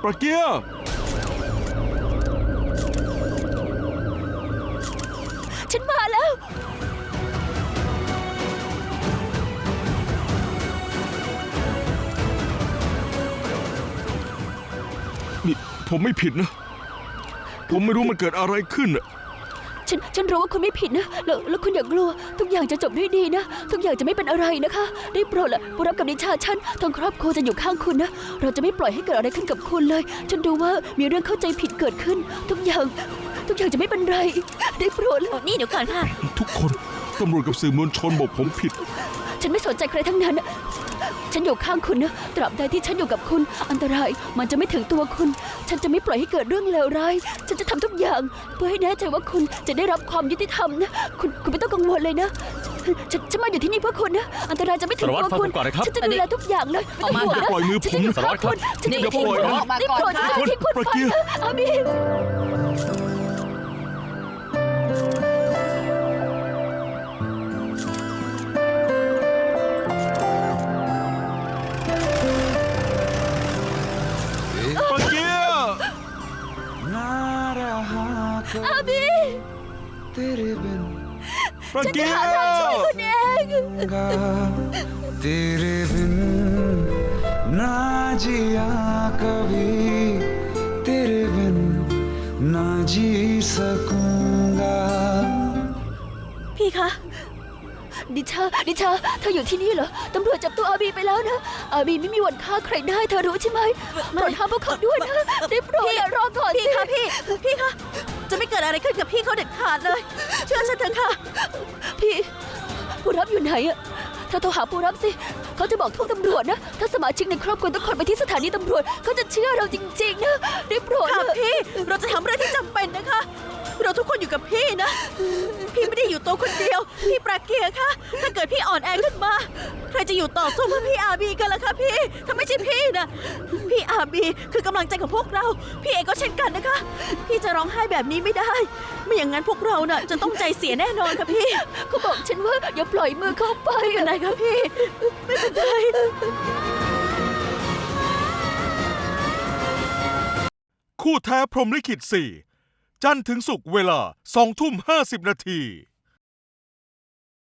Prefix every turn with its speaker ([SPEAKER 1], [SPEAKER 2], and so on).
[SPEAKER 1] ปราเกียร์
[SPEAKER 2] ฉันมาแล้ว
[SPEAKER 1] นี่ผมไม่ผิดนะผมไม่รู้มันเกิดอะไรขึ้นอะ
[SPEAKER 2] ฉันรู้ว่าคุณไม่ผิดนะแล้วคุณอย่ากลัวทุกอย่างจะจบด้วยดีนะทุกอย่างจะไม่เป็นอะไรนะคะได้โปรดละผู้รับกับนิชาฉันทั้งครอบครัวจะอยู่ข้างคุณนะเราจะไม่ปล่อยให้เกิดอะไรขึ้นกับคุณเลยฉันดูว่ามีเรื่องเข้าใจผิดเกิดขึ้นทุกอย่างจะไม่เป็นไรได้โปรดละนี่เดี๋ยวก่อนค่ะ
[SPEAKER 1] ทุกคนตำรวจกับสื่อมวลชนบอกผมผิด
[SPEAKER 2] ฉันไม่สนใจใครทั้งนั้นฉันอยู่ข้างคุณนะตราบใดที่ฉันอยู่กับคุณอันตรายมันจะไม่ถึงตัวคุณฉันจะไม่ปล่อยให้เกิดเรื่องเลวร้ายฉันจะทำทุกอย่างเพื่อให้แน่ใจว่าคุณจะได้รับความยุติธรรมนะคุณไม่ต้องกังวลเลยนะฉันมาอยู่ที่นี่เพื่อคุณนะอันตรายจะไม่ถึงตัวคุณฉันจะดูแลทุกอย่างเลย
[SPEAKER 1] ออกมาปล่อยมือผม
[SPEAKER 2] สารวัตรครับ
[SPEAKER 1] อย่าปล่อยนะ
[SPEAKER 2] ได้โปรดอย่าทิ้งคุณไปนะอาบีอาบี
[SPEAKER 1] ฉันจะหา
[SPEAKER 2] ทางช่วยคุณเอง
[SPEAKER 3] तेरे बिन ना जिया कभी तेरे बिन ना जी सकूंगा
[SPEAKER 2] พี่คะดิชาเธออยู่ที่นี่เหรอตำรวจจับตัวอาบีไปแล้วนะอาบีไม่มีวันฆ่าใครได้เธอรู้ใช่ไหมโปรดห้ามพวกเขาด้วยนะได้โปรดรอก่อนสิค่ะพี่คะจะไม่เกิดอะไรขึ้นกับพี่เขาเด็ดขาดเลยเชื่อฉันเถอะค่ะพี่ผู้รับอยู่ไหนอะเธอโทรหาผู้รับสิเขาจะบอกทุกตำรวจนะถ้าสมาชิกในครอบครัวทุกคนไปที่สถานีตำรวจเขาจะเชื่อเราจริงๆนะได้โปรดค่ะพี่เราจะทำเรื่องที่จำเป็นนะคะเราทุกคนอยู่กับพี่นะพี่ไม่ได้อยู่ตัวคนเดียวพี่ปราเกียร์ค่ะถ้าเกิดพี่อ่อนแอขึ้นมาใครจะอยู่ต่อสู้เพื่อพี่อาบีกันล่ะคะพี่ถ้าไม่ใช่พี่นะพี่อาบีคือกำลังใจของพวกเราพี่เองก็เช่นกันนะคะพี่จะร้องไห้แบบนี้ไม่ได้ไม่อย่างนั้นพวกเราน่ะจะต้องใจเสียแน่นอนค่ะพี่เขาบอกฉันว่าอย่าปล่อยมือเขาไปอะไรคะพี่ไม่เป็นไร
[SPEAKER 1] คู่แท้พรหมลิขิต4จันทร์ถึงศุกร์เวลา20:50 นาที